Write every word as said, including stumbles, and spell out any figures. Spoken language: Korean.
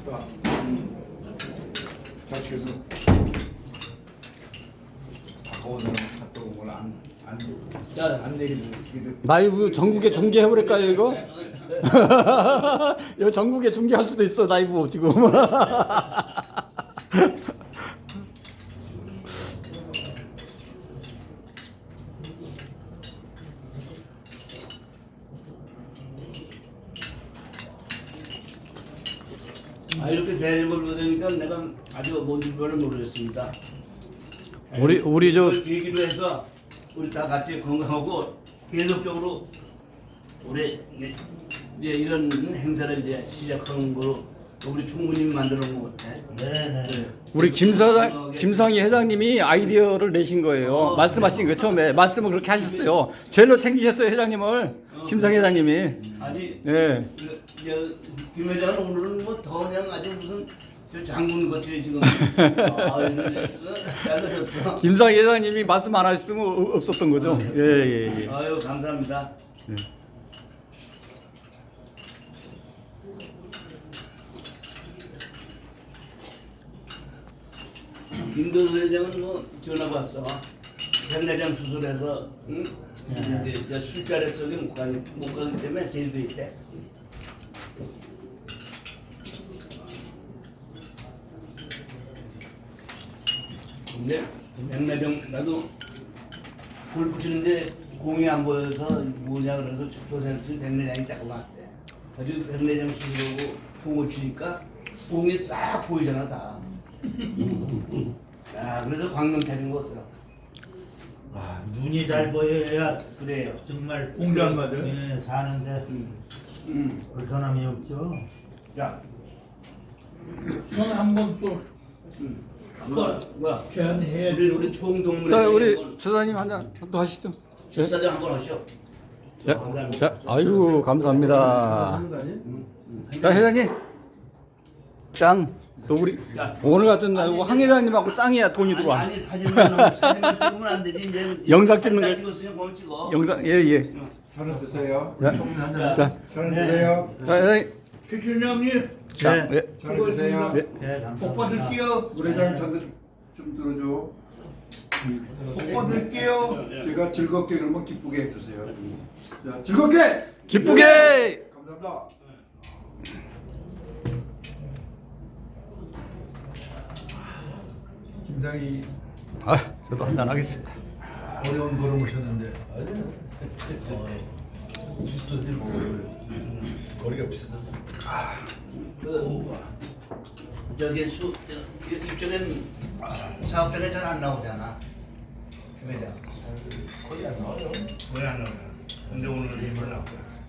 맛있다. 잘 시켜서 오늘은 핫도그를 안안안 내리고 라이브 전국에 중계해버릴까요 이거? 이거 전국에 중계할 수도 있어 라이브 지금. 아 이렇게 대접을 받으니까 내가 아주 뭔지 별로 모르겠습니다. 우리 우리 저 이걸 계기로 해서 우리 다 같이 건강하고 계속적으로 우리 이제 이제 이런 행사를 이제 시작하는 거로 우리 충분히 만들어 놓은 것 같아. 네네. 네. 우리 김사장 김상희 회장님이 아이디어를 내신 거예요. 어, 말씀하신 거 처음에 말씀을 그렇게 하셨어요. 제일로 챙기셨어요 회장님을. 어, 김상희 회장님이. 아니 예. 김 회장은 오늘은 뭐 더 그냥 아주 무슨 저 장군 같이 지금 아, 잘하셨어. 김상희 회장님이 말씀 안 하셨으면 어- 없었던 거죠. 예예 예. 아유 감사합니다. 예. 김도수 회장은 뭐 전화가 왔어. 백내장 수술해서 응? 네. 이제 이제 술자리 속에 못 가기 못 가기 때문에 제주도 있대. 근데 백내장 나도 골프 치는데 공이 안 보여서 뭐냐 그래서 조선수 백내장이 자꾸 왔대. 아주 백내장 수술하고 공을 치니까 공이 싹 보이잖아 다. 야, 그래서 광명 타는 거 어때요? 아, 눈이 잘 보여야 그래요. 정말 공장 맞아요? 예, 사는데 음. 음. 불편함이 없죠. 야, 저는 한번 또 음. 뭐야, 뭐야? 제안해 우리 우리 총동문회 자 우리 조사님 한잔 또 하시죠. 예. 사장 한번 하시오. 자, 자, 아유 감사합니다. 자 회장님 짱. 또 우리 야. 오늘 같은 날 황 회장님하고 짱이야 돈이 아니, 들어와. 아니 사진만 사진만 찍으면 안 되지 이제. 영상 찍는 거- 찍었으면 그걸 찍어. 영상 예예. 천원 드세요. 자, 자, 천원 드세요. 자 회장님. 최춘장님 자, 네. 예. 천원 드세요. 예. 네, 복 감사합니다. 받을게요. 노래장 전좀 들어줘. 복 받을게요. 제가 즐겁게 그러면 기쁘게 해주세요. 자, 즐겁게. 기쁘게. 감사합니다. 김상희 아, 저도 한잔 하겠습니다. 어려운 걸음 오셨는데 거리가 비슷하다. 그 저기 수 저, 이쪽엔 사업자가 잘 안 나오잖아. 김 회장. 거의 안 나와요. 왜 안 나오냐? 근데 오늘은 일부러 나왔어.